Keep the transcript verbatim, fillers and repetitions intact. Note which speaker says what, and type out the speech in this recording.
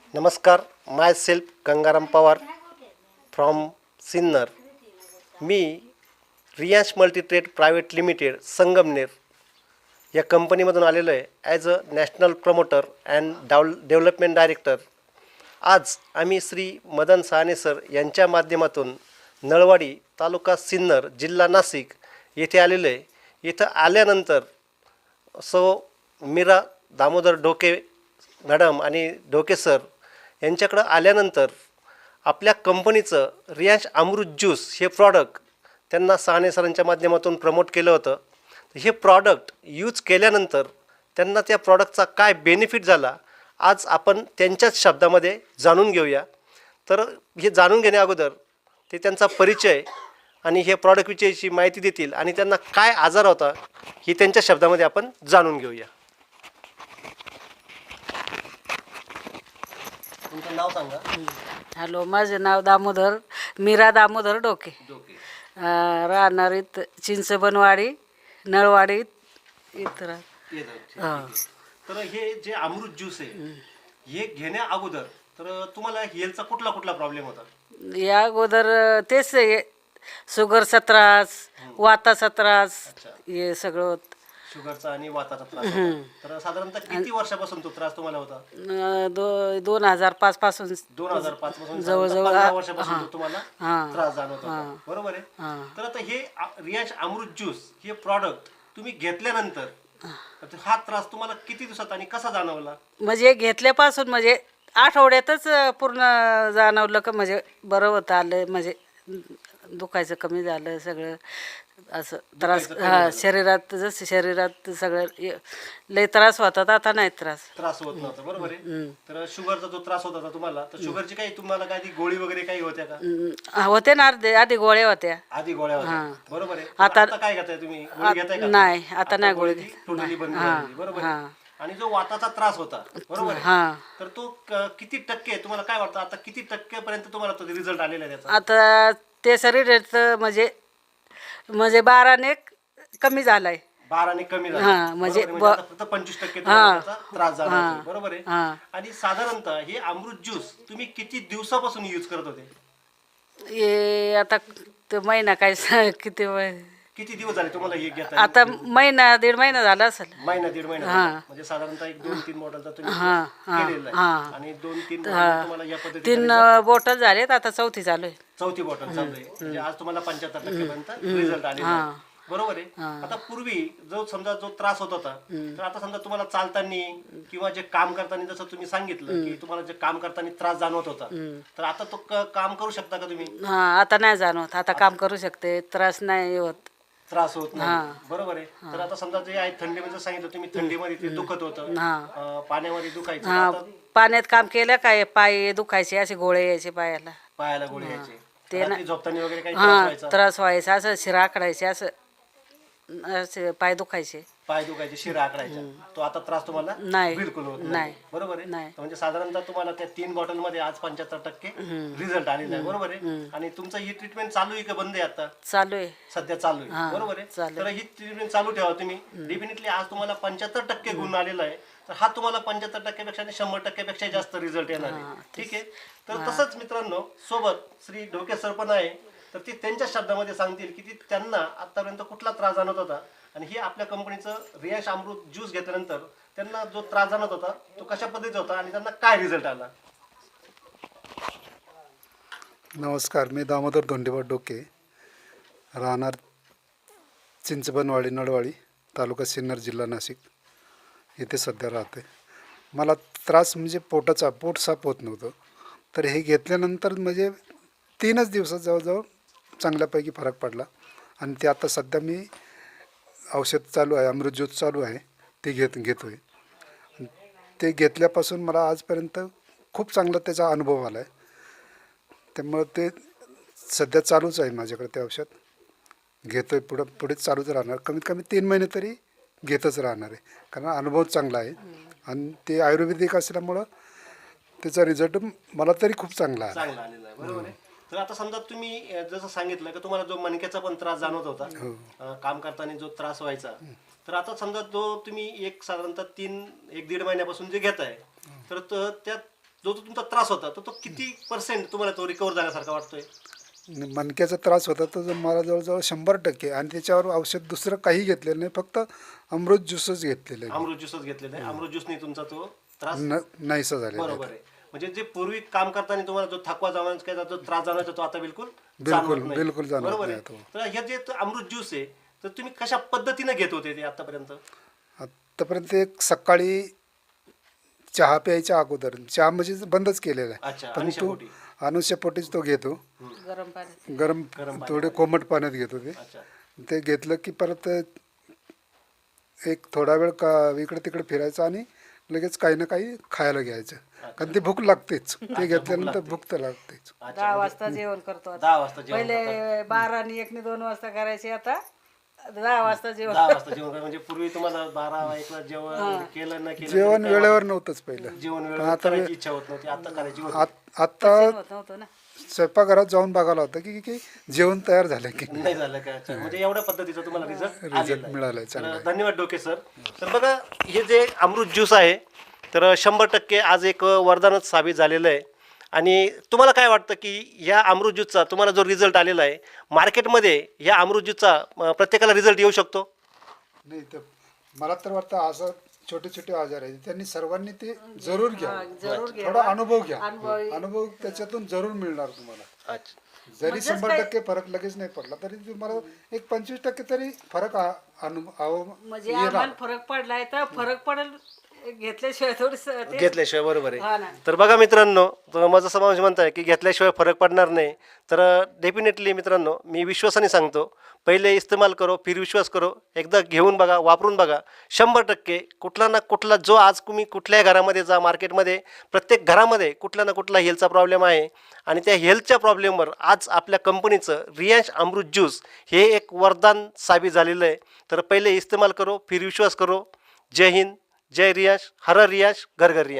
Speaker 1: नमस्कार. Myself Gangaram Pawar from Sinnar. मी Riyansh multitrade private limited Sangamner या कंपनीमधून आलेलो आहे as a national promoter and डाव डेव्हलपमेंट डायरेक्टर. आज आम्ही श्री मदन साहने सर यांच्या माध्यमातून नळवाडी तालुका सिन्नर जिल्हा नाशिक येथे आलेलो आहे. इथं आल्यानंतर सो मीरा दामोदर ढोके मॅडम आणि ढोके सर यांच्याकडं आल्यानंतर आपल्या कंपनीचं रियांश अमृत ज्यूस हे प्रॉडक्ट त्यांना साहने सरांच्या माध्यमातून प्रमोट केलं होतं. हे प्रॉडक्ट यूज केल्यानंतर त्यांना त्या प्रॉडक्टचा काय बेनिफिट झाला आज आपण त्यांच्याच शब्दामध्ये जाणून घेऊया. तर हे जाणून घेण्या अगोदर ते त्यांचा परिचय आणि हे प्रॉडक्टविषयीची माहिती देतील आणि त्यांना काय आजार होता हे त्यांच्या शब्दामध्ये आपण जाणून घेऊया. तुमचं नाव सांगा.
Speaker 2: हॅलो, माझे नाव दामोदर मीरा दामोदर डोके. अं, राहणार इथं चिंचबनवाडी नळवाडी इथं राह- हां.
Speaker 1: तर हे जे अमृत ज्यूस आहे हे घेण्या अगोदर तर तुम्हाला हेल्थचा कुठला कुठला प्रॉब्लेम होता?
Speaker 2: या अगोदर तेच हे शुगरचा त्रास, वाताचा त्रास, हे सगळं होत.
Speaker 1: शुगरचा आणि वाताचा त्रास होता. तर साधारणतः किती वर्षापासून तो त्रास तुम्हाला होता?
Speaker 2: अं, दो दोन हजार पाच पासून
Speaker 1: दोन हजार पाच पासून
Speaker 2: जवळजवळ
Speaker 1: पंधरा वर्षापासून तो तुम्हाला
Speaker 2: हां.
Speaker 1: त्रास जाणवत होता, बरोबर आहे?
Speaker 2: हां.
Speaker 1: तर आता हे रियांश अमृत ज्यूस हे प्रॉडक्ट तुम्ही घेतल्यानंतर तर हा त्रास तुम्हाला किती दिवसात आणि कसा जाणवला?
Speaker 2: म्हणजे घेतल्यापासून म्हणजे आठवड्यातच पूर्ण जाणवलं का म्हणजे बरं होतं आलं, म्हणजे दुखायचं कमी झालं सगळं असं त्रास. हा, शरीरात जसं शरीरात सगळं ये- लय त्रास होतात, आता नाही त्रास
Speaker 1: त्रास होत नव्हता, बरोबर आहे? तर शुगरचा जो त्रास होत होता तुम्हाला, तर शुगरची काही तुम्हाला काही गोळी वगैरे काही होत्या का?
Speaker 2: हम्म, होते ना अर्धे आधी गोळ्या होत्या.
Speaker 1: आधी गोळ्या होत्या, बरोबर आहे?
Speaker 2: आता-
Speaker 1: आता काय घेताय तुम्ही? गोळी घेताय का?
Speaker 2: नाही, आता नाही गोळी
Speaker 1: ती टोटली बंद झाली, बरोबर आहे? आणि जो वाताचा त्रास होता, बरोबर आहे,
Speaker 2: हां.
Speaker 1: तर तो क- किती टक्के तुम्हाला काय वाटतं आता किती टक्के पर्यंत तुम्हाला तो रिझल्ट आलेला आहे त्याचा?
Speaker 2: आता ते शरीर म्हणजे म्हणजे बाराने कमी झालाय.
Speaker 1: बाराने कमी झाला,
Speaker 2: हां, म्हणजे
Speaker 1: बरोबर आहे? म्हणजे आता फक्त पंचवीस टक्के तुम्हाला त्याचा त्रास झाला, बरोबर आहे?
Speaker 2: हां.
Speaker 1: आणि साधारणतः हे अमृत ज्यूस तुम्ही किती दिवसापासून यूज करत होते?
Speaker 2: हे आता तो महिना काय स- किती वय-
Speaker 1: किती दिवस झाले तुम्हाला हे घेता?
Speaker 2: आता महिना दीड महिना झाला असेल.
Speaker 1: महिना दीड महिना झाला. म्हणजे साधारणतः एक दोन तीन मॉडेलचा तुम्ही
Speaker 2: हां, हां,
Speaker 1: केलेला आहे.
Speaker 2: हां.
Speaker 1: आणि दोन तीन model तुम्हाला या पद्धतीने
Speaker 2: तीन बॉटल झालेत, आता चौथी चालू आहे.
Speaker 1: चौथी बॉटल चालू आहे. म्हणजे आज तुम्हाला पंच्याहत्तर टक्केपर्यंत रिझल्ट आलेला आहे, बरोबर आहे? आता पूर्वी जो समजा जो त्रास होत होता, तर आता समजा तुम्हाला चालताना किंवा जे काम करताना जसं तुम्ही सांगितलं की तुम्हाला जे काम करताना त्रास जाणवत होता, तर आता तो क- काम करू शकता का तुम्ही?
Speaker 2: हा, आता नाही जाणवत, आता काम करू शकते, त्रास नाही होत.
Speaker 1: त्रास होत नाही, बरोबर आहे? तर आता समजा जे आहे थंडीमध्ये सांगितलं तुम्ही, थंडीमध्ये ते दुखत होतं, अं, पाण्यामध्ये दुखायचं,
Speaker 2: हा,
Speaker 1: आता
Speaker 2: पाण्यात काम केलं काय पाय दुखायचे, असे गोळे यायचे पायाला.
Speaker 1: पायाला गोळी यायची,
Speaker 2: ते
Speaker 1: रात्री झोपताना वगैरे काही
Speaker 2: हा,
Speaker 1: त्रास व्हायचा,
Speaker 2: त्रास व्हायचा, असं शिरा आकडायचे, असं असे पाय दुखायचे.
Speaker 1: पाय दुखायचे, शिरा आकडायच्या, तो आता त्रास तुम्हाला
Speaker 2: नाही.
Speaker 1: बिलकुल होत
Speaker 2: नाही.
Speaker 1: नाही, बरोबर आहे?
Speaker 2: नाही.
Speaker 1: तर म्हणजे साधारणतः तुम्हाला त्या तीन बॉटल मध्ये आज पंच्याहत्तर टक्के रिझल्ट आलेला आहे, बरोबर आहे? आणि तुमचं ही ट्रीटमेंट चालू आहे का बंद आहे आता?
Speaker 2: चालू आहे.
Speaker 1: सध्या चालू आहे, बरोबर आहे?
Speaker 2: चालू
Speaker 1: तर ही ट्रीटमेंट चालू ठेवा तुम्ही. डेफिनेटली आज तुम्हाला पंच्याहत्तर टक्के गुण आलेला आहे, तर हा तुम्हाला पंच्याहत्तर टक्क्यापेक्षा आणि शंभर टक्क्यापेक्षा जास्त रिझल्ट येणार आहे, ठीक आहे? तर तसंच मित्रांनो, सोबत श्री ढोके सर पण आहे, तर ते त्यांच्या शब्दामध्ये सांगतील की ती त्यांना आतापर्यंत कुठला त्रास जाणवत होता आणि हे आपल्या कंपनीचं रियांश अमृत ज्यूस घेतल्यानंतर त्यांना जो त्रास जाणवत होता तो कशा पद्धतीचा होता आणि त्यांना काय रिझल्ट आला.
Speaker 3: नमस्कार, मी दामोदर धोंडेबा डोके, राहणार चिंचबनवाडी नळवाडी तालुका सिन्नर जिल्हा नाशिक येथे सध्या राहते. मला त्रास म्हणजे पोटाचा, पोट साफ होत नव्हतं, तर हे घेतल्यानंतर म्हणजे तीनच दिवसात जवळजवळ चांगल्यापैकी फरक पडला. आणि ते आता सध्या मी औषध चालू आहे, अमृत ज्यूस चालू आहे, ते घेत घेतो आहे. ते घेतल्यापासून मला आजपर्यंत खूप चांगला त्याचा अनुभव आला आहे. त्यामुळं ते सध्या चालूच आहे माझ्याकडे ते औषध, घेतो आहे, पुढं पुढेच चालूच राहणार, कमीत कमी तीन महिने तरी घेतच राहणार आहे, कारण अनुभव चांगला आहे आणि ते आयुर्वेदिक असल्यामुळं त्याचा रिझल्ट मला तरी खूप चांगला आहे.
Speaker 1: चांगला आलेला आहे, बरोबर आहे? तर आता समजा तुम्ही अं, जसं सांगितलं की तुम्हाला जो मणक्याचा पण त्रास जाणवत होता, अं, काम करताना जो त्रास व्हायचा, तर आता समजा जो तुम्ही एक साधारणतः तीन एक दीड महिन्यापासून जे घेताय, तर त- त्या जो तो तुमचा त्रास होता तो तो किती पर्सेंट तुम्हाला तो रिकवर झाल्यासारखा वाटतोय?
Speaker 3: आणि मणक्याचा त्रास होता तो जो मला जवळजवळ शंभर टक्के, आणि त्याच्यावर औषध दुसरं काही घेतलेलं नाही, फक्त अमृत ज्यूसच घेतलेलं आहे.
Speaker 1: अमृत ज्यूसच घेतलेला आहे. अमृत ज्यूसने तुमचा तो त्रास
Speaker 3: न नाहीसा झालेला आहे.
Speaker 1: बरोबर आहे. म्हणजे जे पूर्वी काम करताना तुम्हाला जो थकवा जाणवायचा जो त्रास जाणवायचा तो आता बिलकुल
Speaker 3: बिलकुल
Speaker 1: जाणवत नाही.
Speaker 3: बिलकुल जाणवत
Speaker 1: बरोबर
Speaker 3: नाही
Speaker 1: आहे.
Speaker 3: तो.
Speaker 1: तर हे जे अमृत ज्यूस आहे तर तुम्ही कशा पद्धतीने घेत होते ते आतापर्यंत?
Speaker 3: आत्तापर्यंत एक सकाळी चहा प्यायच्या अगोदर, चहा म्हणजे बंदच केलेला आहे,
Speaker 1: अच्छा,
Speaker 3: पण तो
Speaker 1: अनुशापोटी.
Speaker 3: अनुष्यपोटीच तो घेतो.
Speaker 2: गरम पाणी
Speaker 3: गरम थोडे कोमट पाण्यात घेतो ते.
Speaker 1: अच्छा.
Speaker 3: ते घेतलं की परत एक थोडा वेळ का इकडे तिकडे फिरायचं आणि लगेच काही ना काही खायला घ्यायचं, कारण ती भूक लागतेच. ते घेतल्यानंतर भूक तर लागतेच.
Speaker 2: दहा वाजता जेवण करतो आता.
Speaker 1: दहा वाजता जेवण
Speaker 2: पहिले बारा आणि एक ने दोन वाजता करायचे, आता दहा वाजता जेवण.
Speaker 1: दहा वाजता जेवण करा. म्हणजे पूर्वी तुम्हाला बारा एकला जेवण केलं ना केलं
Speaker 3: जेवण
Speaker 1: तरी
Speaker 3: वेळेवर नव्हतंच पहिलं.
Speaker 1: जेवण वेळेवर करायची इच्छा होत नव्हती, आता करायची होती.
Speaker 3: आत- आता
Speaker 2: होत नव्हतं ना.
Speaker 3: स्वयंपाकघरात जाऊन बघायला होतं की की जेवण तयार झालं की
Speaker 1: नाही झालं काय? अच्छा. म्हणजे एवढ्या पद्धतीचा तुम्हाला रिझल्ट
Speaker 3: रिझल्ट मिळालाय चांगला.
Speaker 1: तर धन्यवाद डोके सर. तर बघा हे जे अमृत ज्यूस आहे तर शंभर टक्के आज एक वरदानच साबित झालेलं आहे. आणि तुम्हाला काय वाटतं की या अमृत ज्यूसचा तुम्हाला जो रिझल्ट आलेला आहे मार्केटमध्ये या अमृत ज्यूसचा अं, प्रत्येकाला रिझल्ट येऊ शकतो?
Speaker 3: नाही, तर मला तर वाटतं असं छोटे छोटे आजार आहेत त्यांनी सर्वांनी ते जरूर घ्या,
Speaker 2: जरूर घ्या.
Speaker 3: थोडा अनुभव घ्या.
Speaker 2: अनुभव-
Speaker 3: अनुभव त्याच्यातून जरूर मिळणार तुम्हाला.
Speaker 1: अच्छा.
Speaker 3: जरी शंभर टक्के फरक लगेच नाही पडला तरी तुम्हाला एक पंचवीस टक्के तरी फरक आ- अनु- आव-
Speaker 2: म्हणजे आम्हाला फरक पडलाय तर फरक पडेल घेतल्याशिवाय थोडस ते.
Speaker 1: घेतल्याशिवाय बरोबर
Speaker 2: हा
Speaker 1: आहे.
Speaker 2: ना.
Speaker 1: तर बघा मित्रांनो, तर माझं समाज म्हणताय की घेतल्याशिवाय फरक पडणार नाही. तर डेफिनेटली मित्रांनो मी विश्वासाने सांगतो, पहिले इस्तेमाल करो फिर विश्वास करो. एकदा घेऊन बघा, वापरून बघा. शंभर टक्के कुठला ना कुठला जो आज तुम्ही कुठल्याही घरामध्ये जा, मार्केटमध्ये प्रत्येक घरामध्ये कुठला ना कुठला हेल्थचा प्रॉब्लेम आहे आणि त्या हेल्थच्या प्रॉब्लेमवर आज आपल्या कंपनीचं रियांश अमृत ज्यूस हे एक वरदान साबित झालेलं आहे. तर पहिले इस्तेमाल करो फिर विश्वास करो. जय हिंद, जय रियांश, हर रियांश, घर घर रियांश.